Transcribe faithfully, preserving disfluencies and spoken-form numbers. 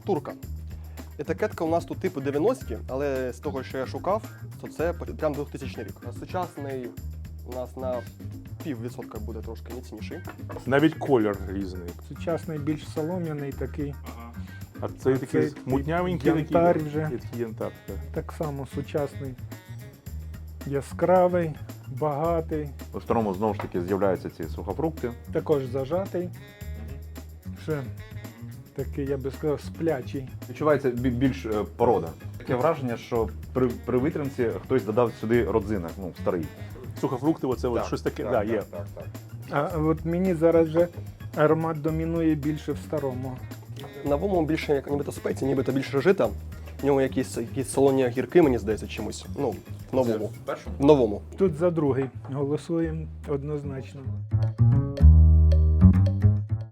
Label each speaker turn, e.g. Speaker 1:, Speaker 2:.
Speaker 1: шкатурка. Етикетка у нас тут типу дев'яності, але з того, що я шукав, то це прям двохтисячний рік. А сучасний у нас на пів відсотка буде трошки міцніший.
Speaker 2: Навіть колір різний.
Speaker 3: Сучасний більш солом'яний такий.
Speaker 2: А цей
Speaker 3: А
Speaker 2: такий
Speaker 3: цей
Speaker 2: мутнявенький,
Speaker 3: янтар
Speaker 2: такий,
Speaker 3: вже.
Speaker 2: такий янтар. Так.
Speaker 3: Так само сучасний, яскравий, багатий,
Speaker 4: У старому знову ж таки з'являються ці сухофрукти.
Speaker 3: також зажатий. Ще такий, я би сказав, сплячий.
Speaker 4: Відчувається бі- більш е, порода. Таке враження, що при, при витримці хтось додав сюди родзинок, ну, старий.
Speaker 2: Сухофрукти, оце от щось таке, да, є.
Speaker 4: Так, так.
Speaker 3: А от мені зараз вже аромат домінує більше в старому.
Speaker 1: На новому більше як нібито спеції, нібито більше жита. В ньому якісь, якісь солоні огірки, мені здається, чимось. Ну, в новому.
Speaker 4: В першому?
Speaker 1: В новому.
Speaker 3: Тут за другий голосуємо однозначно.